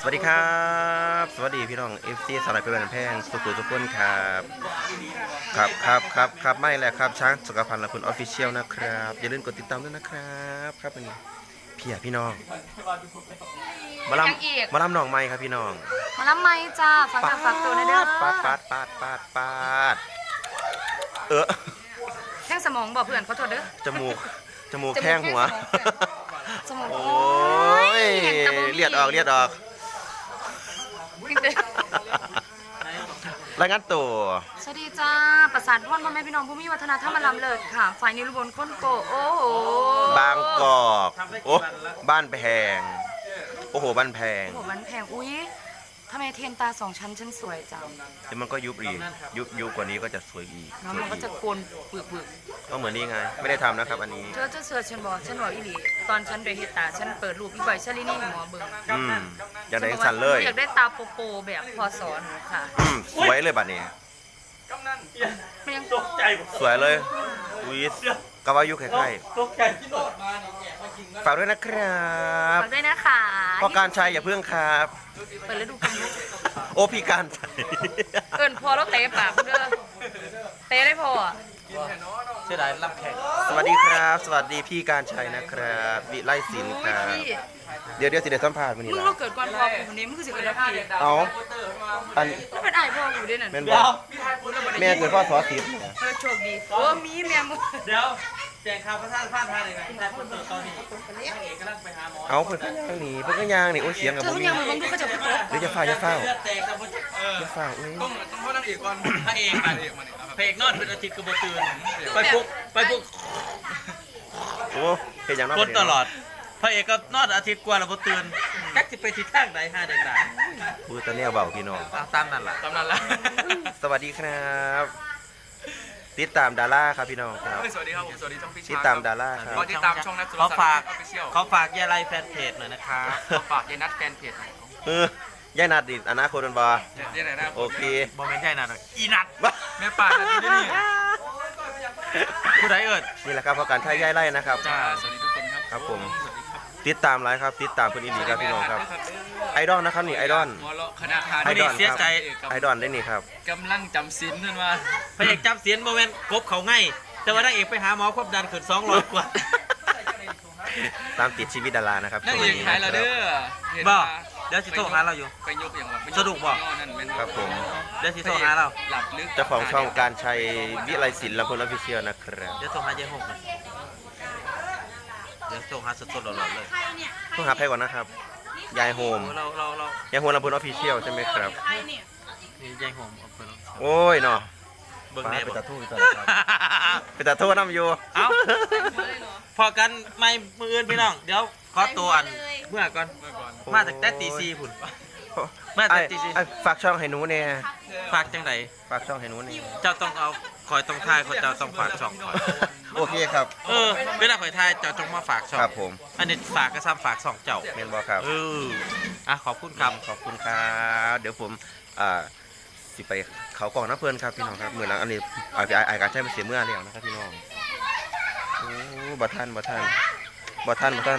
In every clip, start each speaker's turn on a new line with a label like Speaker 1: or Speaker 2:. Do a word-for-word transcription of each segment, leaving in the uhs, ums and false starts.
Speaker 1: สวัสดีครับสวัสดีพี่น้องเอฟซีสลายเป็นแพงสุขุมทุกคนครับครับครับครับครับไม่แหละครับช้างสุขภัณฑ์และคุณออฟฟิเชียลนะครับอย่าลืมกดติดตามด้วยนะครับครับวันนี้พี่อะพี่น้องมาลำมาลำหนองไม้ครับพี่น้อง
Speaker 2: มาลำไม้จ้าฝากฝากตัวนะเด้อ
Speaker 1: ปาดปาดปาดปาดปาดเออ
Speaker 2: แข้งสมองบอกเพื่อนเขาโทษเด้อ
Speaker 1: จมูกจมูกแข้งหัว
Speaker 2: จมูก
Speaker 1: โอ้ยเลียดออกเลียดออกรายงานตัว
Speaker 2: สวัสดีจ้าประสานพ่อพ่อแม่พี่น้องผู้มีวัฒนธรรมลำเลิศค่ะฝ่ายนิรบนค้นโกโอ้โห
Speaker 1: บางกอกโอ้บ้านแพงโอ้โหบ้านแพง
Speaker 2: โอ้โหบ้านแพงอุ้ยทำไมเทียนตาสองชั้นฉันสวยจัง
Speaker 1: แต่มันก็ยุบอีกยุบยุบกว่านี้ก็จะสวยอีก
Speaker 2: น้องมันก็จะโกนปึกปึก
Speaker 1: ก็เหมือนนี่ไงไม่ได้ทำนะครับอันนี้
Speaker 2: เธอจะเสือฉันบอกฉันบอกอีหลีตอนฉันไปเฮตาฉันเปิดรูปอีใบชลินี่หมอเบิ่ง
Speaker 1: อืมอยากได้สันเลย
Speaker 2: อยากได้ตาโปโปแบบพอสอนค่ะ
Speaker 1: สวยเลยบัดนี้
Speaker 2: ยัง
Speaker 3: ตกใจ
Speaker 1: สวยเลยวิสกาวายุใกล้
Speaker 3: ๆตกใจที่โดดมา
Speaker 1: ฝากด้วยนะครับ
Speaker 2: ฝากด้วยนะคะ
Speaker 1: พ่อการชัยอย่าเพิ่งครับ
Speaker 2: เปิดฤดูกาล
Speaker 1: โอ้พี่การชัย
Speaker 2: เอิญพอแล้วเตะปากเด้อเตะได้พอ
Speaker 3: เสียดายรับแขก
Speaker 1: สวัสดีครับสวัสดีพี่การชัยนะครับวิไลศิลป์ครับเดี๋ยวเดี๋ยวสิเดี๋ยวสัมภาษณ์วันนี้
Speaker 2: มึงเราเกิดก่อนพ่อคนนี้มึงคือสิเกิดแล้วพี่
Speaker 1: เอาอัน
Speaker 2: แล้วเป็นไอ้พ่อกูด้วยนั่น
Speaker 1: แม่นบอกแม่เกิดพ่อสอสิบ
Speaker 2: เออโชคดีโอ้มีแม่มึง
Speaker 3: เดี๋ยวแจงข่าวพระท่านพลาดทางเลยนะแต่คนเติร์ตอนนี้นางเอกกำลังไปหาหมอ
Speaker 1: เอาเพื่อนก็ย่างนี่เพื่อนก็ย่างนี่โอ้เสียงกับ
Speaker 2: ผมนี่มึงดูเขาจะ
Speaker 1: เดี๋ยวจะฝ้าจะเฝ้าจะเฝ้า
Speaker 3: เอ้ยต้องต้องพ่อนางเอกก่อนพระเอกพระเอกมาเนี่ยพระเอกนอนเป็นอาทิตย์กระโบตื่นไปปุ๊บไปปุ๊บ
Speaker 1: โอ้เป็นอย่างนั้น
Speaker 3: คนตลอดพระเอกก็นอนอาทิตย์กว่าแล้วบ่ตื่นกักจะไปทิศทางใดห้าเด็กด่า
Speaker 1: พูดตะเนี่ยเบาพี่น้อง
Speaker 3: ตามนั่นแหละตามนั่นแหละ
Speaker 1: สวัสดีครับติดตามดาราครับพี่น้องครับ
Speaker 3: สวัสดีครับผมสวัสดีช่องพี่ชา
Speaker 1: ติดตามดาราครับ
Speaker 3: ติดตามช่องนัทเขาฝากเขาฝากยายไลแฟนเพจหน่อยนะครับเขาฝากยายนัทแฟนเพจหน่อย
Speaker 1: เออยายนัดดิอนาคตมันบ่
Speaker 3: ยายนัท
Speaker 1: โอเค
Speaker 3: บ่แม่นยายนัทอีนัทแม่ป่านัทนี่นี่ผู้ใดเอิด
Speaker 1: นี่แหละครับเพราะการท่ายายไล่นะครับ
Speaker 3: จ้าสวัสดีทุกคนครับ
Speaker 1: ครับผมติดตามไลฟ์ครับติดตามคุณอินดีครับพี่น้องครับไอดอลนะครับนี่ไอดอล
Speaker 3: คณะทาน
Speaker 1: ไอดอล
Speaker 3: เสียใจ
Speaker 1: ไอดอลได้นี่ครับ
Speaker 3: กำลังจำศีลนั่นว่าพระเอกจำศีลโมเมนต์กบเขาง่ายแต่ว่านางเอกไปหาหมอควบดันขึ้นสองร้อยกว่า
Speaker 1: ตามติดชีวิตดารานะครับ
Speaker 3: นางเอกหายแล้วเด้อบ่เดี๋ยวสิโทรหาเราอยู่
Speaker 2: ไปยกอย่างว่า
Speaker 3: สะดวกบ่
Speaker 1: ครับผม
Speaker 3: เดี๋ยวสิโทรหาเรา
Speaker 2: หลับลึก
Speaker 1: เจ้าของช่องการชัยวิไลศิลป์ลำพูนออฟฟิเชียลนะครับ
Speaker 3: เดี๋ยวโทรหายายหงเดี๋ยวโทรหาสดๆหล่อๆเลย
Speaker 1: ต้องหาใครก่อนนะครับยายโฮม
Speaker 3: เราเราเรา
Speaker 1: ยายโฮมลำพูนออฟฟิเชียลใช่ไหมครับ
Speaker 3: ยายโฮม
Speaker 1: โอ้ยเนาะ
Speaker 3: เบิ่งแน่
Speaker 1: ไปตัดทุ่งไปตัดไปตัดทุ่งน้ำอยู่
Speaker 3: เอ้าพอกันไม่มืออื่นพี่น้องเดี๋ยวขอตัวอันเมื่อก่อนมาจากแต่ตีซีพุ่นมาจากตีซี
Speaker 1: ฝากช่องให้หนูเนี่ย
Speaker 3: ฝากจังไหน
Speaker 1: ฝากช่องให้หนูเนี่ย
Speaker 3: เจ้าต้องเอาคอยต้องทายเขาเจ้าต้องฝากช่อง
Speaker 1: โอเคครับ
Speaker 3: เออเวลาคอยทายเจ้าต้องมาฝากช่อง
Speaker 1: ครับผม
Speaker 3: อันนี้ฝากก็ซ้ำฝากช่องเจ้า
Speaker 1: เมนบอครับ
Speaker 3: เอออ่ะขอบคุณครับ
Speaker 1: ขอบคุณครับเดี๋ยวผมอ่าสิไปเขากล่องน้ำเพลินครับพี่น้องครับเหมือนอันนี้ไอ้ไอ้การใช้มาเสียเมื่อแล้วนะครับพี่น้องโอ้บัทันบัทันบัทันบัทัน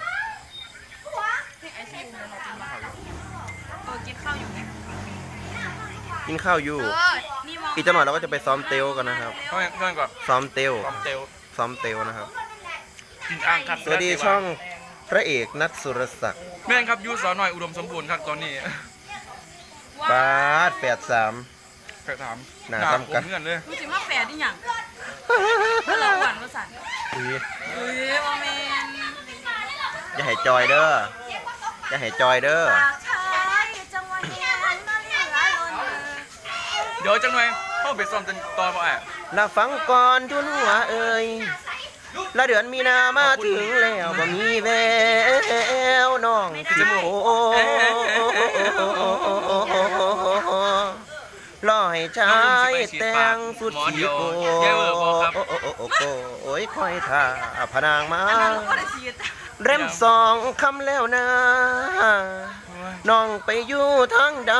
Speaker 2: กินข้าวอยู่
Speaker 1: กินข้าวอยู่อีกจังหวะเราก็จะไปซ้อมเตลกันนะครับ
Speaker 3: เพื่อนก่อน
Speaker 1: ซ้อมเตล
Speaker 3: ซ้อมเตล
Speaker 1: ซ้อมเตลนะครับ
Speaker 3: กินอ่างครับ
Speaker 1: สวัสดีช่องพระเอกนัทสุรศักดิ์
Speaker 3: แม่นครับยูสาวหน่อยอุดมสมบูรณ์ครับตอนนี้
Speaker 1: บาสแปดสาม
Speaker 3: แปดสาม
Speaker 1: หนาซ้ำกัน
Speaker 3: เพื่อนเลย
Speaker 2: รู้สึกว่าแปดนี่อย่างเราหวานภาษา
Speaker 1: อุ้ย
Speaker 2: อุ้ยโอเมน
Speaker 1: อย่าให้จอยเด้ออย่าให้จอยเด้อ
Speaker 3: เดี๋ยวจังหน่อยเข้าไปซ้อมจนตอนบ่าย
Speaker 1: ละฟังก่อนทุนหัวเอ่ยละเดือนมีนามาถึงแล้วบ่มีแววน้องสิโมลอยชายแต่งสุดสีโกโอ้ยคอยท่าพนางมาเริ่มสองคำแล้วนะน้องไปอยู่ทางใด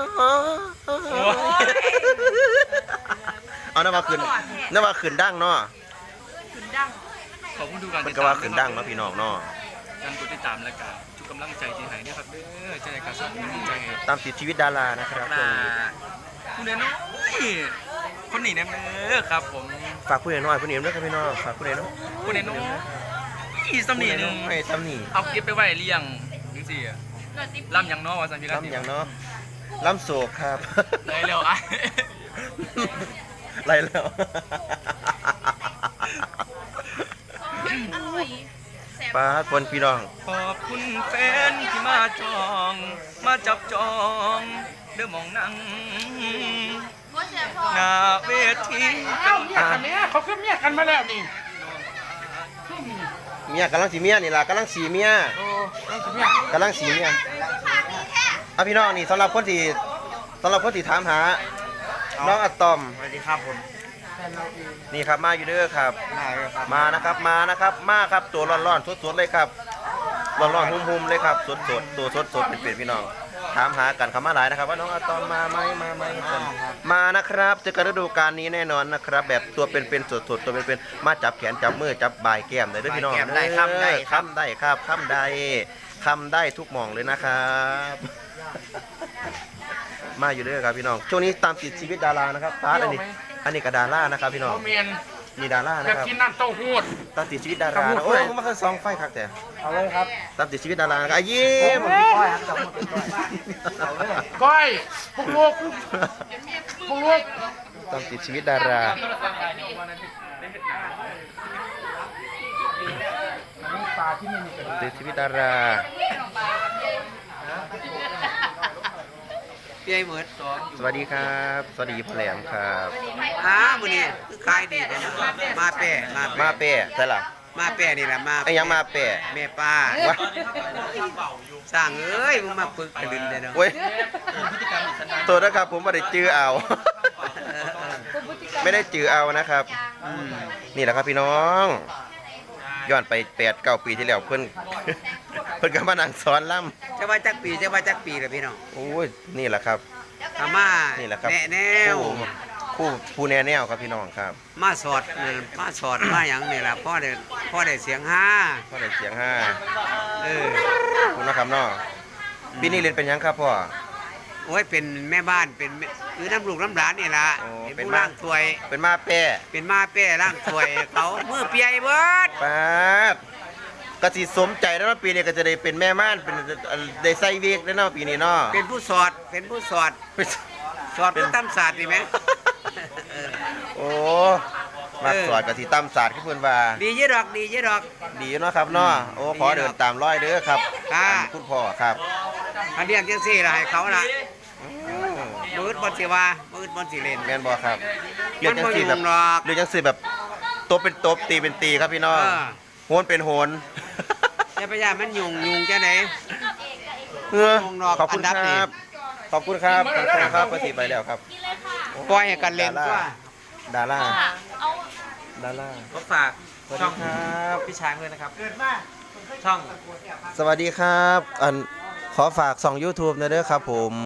Speaker 1: เอาน้ำมาขึ้นน้ำมาขึ้นดังเนาะ
Speaker 2: ขึ้นดัง
Speaker 3: ขอบคุณทุกการ
Speaker 1: มันก็ว่าขึ้นดังเนาะพี่น้องเนาะ
Speaker 3: การกดติดตามและการทุกก
Speaker 4: ำลังใจที่ให้เนี่ยครับเด้อใจกระสับกระส่ายใจให้
Speaker 1: ตามติดชีวิตดารานะครับช่วงนี้
Speaker 4: ผู้เล่นน้อยคนนี้เนี่ยเด้อครับผม
Speaker 1: ฝากผู้ใหญ่น้อยผู้ใหญ่ด้วยครับพี่น้องฝากผู้ใหญ่น้อย
Speaker 4: ผู้เล่นน้อยอีสำนีหนึ่ง
Speaker 1: ให้ตำหนิ
Speaker 4: เอาเก็บไปไว้เลี้ยงนึงสิลำยังน้อว่าสันพี่
Speaker 1: ล้ำอย่างเนาะล้ำโศกครับ
Speaker 4: เลยเร็วอ่ะ
Speaker 1: ไรแล้ว ปาดคนพี่น้อง
Speaker 4: ขอบคุณแฟนที่มาจอง มาจับจองเด้อมองนั่งหน้าเวที
Speaker 1: อ่ะ
Speaker 5: อันเนี้ยเขาขึ้นเมียกันมาแล้วนี่
Speaker 1: เมียกำลังสีเมียนี่ล่ะกำลังสีเมีย
Speaker 5: โอ้ต้องสิเมีย
Speaker 1: กำลังสีเมียอ่ะพี่น้องนี่สำหรับคนที่สำหรับคนที่ถามหาน้องอะตอม
Speaker 4: สวัสดีครับผม
Speaker 1: นี่ครับมาอยู่เด้อครับ
Speaker 4: ได้ครับ
Speaker 1: มานะครับมานะครับมาครับตัวร้อนๆสดๆเลยครับร้อนๆหุ่มๆเลยครับสดๆตัวสดๆเป็นๆพี่น้องถามหากันคำมาหลายนะครับว่าน้องอะตอมมาไหมมาไหมกันมานะครับเจอกันฤดูกาลนี้แน่นอนนะครับ แบบตัวเป็นๆสดๆตัวเป็นๆมาจับแขนจับมือจับบ่ายแก้มได้เด้อพี่น้อง
Speaker 4: บ่ายแก้มได้ครับได้ครับ
Speaker 1: คำได้ครับคำได้คำได้ทุกหม่องเลยนะครับ มาอยู่เด้อครับพี่น้องช่วงนี้ตามติดชีวิตดารานะครับตาอันนี้อันนี้ก็ดารานะครับพี่น้อง
Speaker 5: เขาเมียน
Speaker 1: นี่ดารา
Speaker 5: อ
Speaker 1: นะ
Speaker 5: ยาก
Speaker 1: ครับ
Speaker 5: กินน้ำเต้าหู้
Speaker 1: ตามติดชีวิตดารา
Speaker 5: ครับ
Speaker 1: นะโอ้ยผมมาเคยซองไฟครับแต่
Speaker 5: เอาเลยครับ
Speaker 1: ตามติดชีวิตดารานะครับอ่ะยิ้ม
Speaker 5: ก้อยพวกลูกพวกลูก
Speaker 1: ตามติดชีวิตดาราติดชีวิตดารา
Speaker 6: พี่ไอ้เหมือนสอง
Speaker 1: สวัสดีครับ สวัสดีพ่อแหลมครับ
Speaker 6: อ้ามื้อนี้คือขายดีเลยนะมาแป้มา
Speaker 1: มา
Speaker 6: แป้
Speaker 1: เป้ใช่ล่ะ
Speaker 6: มาแป้นี่แหละมา
Speaker 1: ไอ้ยังมาเป้
Speaker 6: แม่ป้าว
Speaker 1: ะ
Speaker 6: สร้างเอ้ยมึงมาปึกกระดึนเลยเนาะ
Speaker 1: โอ้ยตัวนะครับผมไม่ได้จื้อเอา
Speaker 6: เออเออ
Speaker 1: ไม่ได้จื้อเอานะครับ
Speaker 6: อืม
Speaker 1: นี่แหละครับพี่น้องย้อนไปแปดเก้าปีที่แล้วเพิ่น เพิ่นก็มานั่งสอนล่
Speaker 6: จะว่าจักปีจะว่าจักปีล่ะพี่น้อง
Speaker 1: ำโอ้ยนี่แหละครับ
Speaker 6: อามา
Speaker 1: นี่แหละครับ
Speaker 6: แนะแนว
Speaker 1: คู่คู่ผู้แนแนวครับพี่น้องครับ
Speaker 6: มาสอดเออมาสอดมาหยังนี่ล่ะพ่อได้พ่อได้เสียงห้า
Speaker 1: พ่อได้เสียงห้า
Speaker 6: เออ
Speaker 1: คุณนะครับน้องปีนี้เรียนเป็นหยังครับพ่อ
Speaker 6: โอ้ยเป็นแม่บ้านเป็นแม่คือน้ำลูกน้ำหลานนี่ล่ะ
Speaker 1: โอ้
Speaker 6: เป็น
Speaker 1: เป็น
Speaker 6: ผู้
Speaker 1: บ้า
Speaker 6: ล่างถวย
Speaker 1: เป็นมาแป้
Speaker 6: เป็นมาแป้ล่างถวยเขามือเปียเบิด
Speaker 1: ปาดกสิสมใจแล้วเนาะปีนี้ก็จะได้เป็นแม่ม่านเป็นได้ใส่เวกแล้วเนาะปีนี้เนาะ
Speaker 6: เป็นผู้สอดเป็นผู้สอด สอดเป็นตำศาสตร์นี่ไหม
Speaker 1: โอ้มาสอดกับสีตำศาสตร์ที่เพิ่นว่า
Speaker 6: ดีเยอะดอกดีเยอะดอก
Speaker 1: ดีเนาะครับเนาะโอ้ขอเดินตามร้อยเด้อครับ
Speaker 6: ค่ะ
Speaker 1: อันคุณพ่อครับ
Speaker 6: อันเรียกจังซี่ล่ะให้เขาล่ะมืดบนสิว่ามืดบนสิเล่น
Speaker 1: แม่นบ่ครับเรียกจัง
Speaker 6: มันบ่
Speaker 1: ซี่แบบ
Speaker 6: ยุ่งหรอก
Speaker 1: เรียกจังซี่แบบตบเป็นตบตีเป็นตีครับพี่น้อง
Speaker 6: เออ
Speaker 1: โหนเป็นโหน
Speaker 6: จะพยายามมันยุงยุงจะไหน
Speaker 1: เออ
Speaker 6: วงนอก
Speaker 1: ขอบคุณ
Speaker 6: อันดับ
Speaker 1: ค
Speaker 6: นี่
Speaker 1: รับ ขอบคุณครับขอบคุณครับปฏิไปแล้วครับ
Speaker 6: ปล่อยให้กันเล่น
Speaker 1: ดา
Speaker 6: ตัว
Speaker 1: ราดาราดารา
Speaker 3: ก็ฝาก
Speaker 1: สวัส
Speaker 3: ช่
Speaker 1: ดี
Speaker 3: อง
Speaker 1: ครับ
Speaker 3: พี่ช้างด้วยนะครับช่อง
Speaker 1: สวัสดีครับ อันขอฝากส่อง YouTube หนะเด้อครับผม